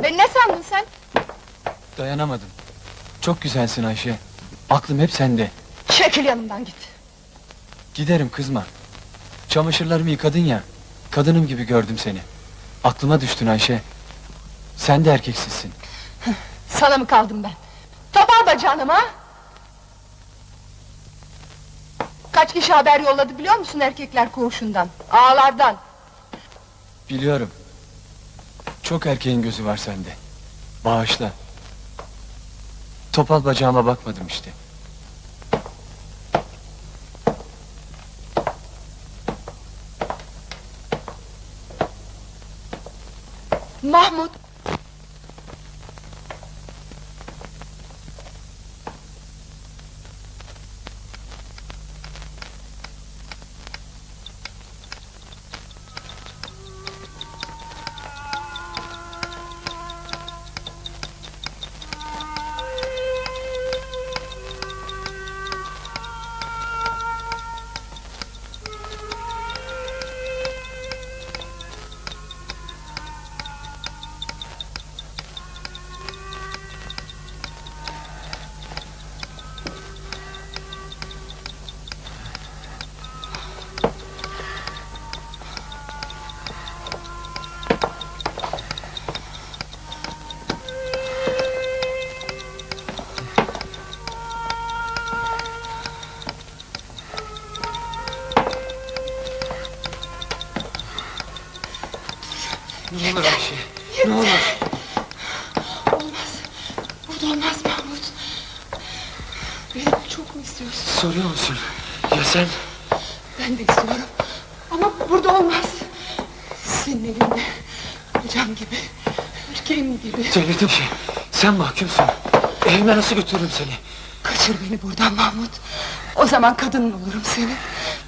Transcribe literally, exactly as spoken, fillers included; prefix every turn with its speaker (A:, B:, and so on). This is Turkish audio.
A: Beni ne sandın sen?
B: Dayanamadım. Çok güzelsin Ayşe. Aklım hep sende.
A: Çekil yanımdan git.
B: Giderim, kızma. Çamaşırlarımı yıkadın ya. Kadınım gibi gördüm seni. Aklıma düştün Ayşe. Sen de erkeksizsin.
A: Sana mı kaldım ben? Topal bacağınım ha? Kaç kişi haber yolladı biliyor musun erkekler koğuşundan? Ağalardan.
B: Biliyorum. Çok erkeğin gözü var sende. Bağışla. Topal bacağıma bakmadım işte.
A: Mahmut!
B: Ne olur Ayşe, ne olur.
A: Olmaz, burada olmaz Mahmut. Beni çok mu istiyorsun?
B: Soruyor musun? Ya sen?
A: Ben de istiyorum. Ama burada olmaz. Senin evinde, kocam gibi, erkeğim gibi.
B: Söyledim şey, sen mahkumsun. Evime nasıl götürürüm seni?
A: Kaçır beni buradan Mahmut. O zaman kadının olurum senin.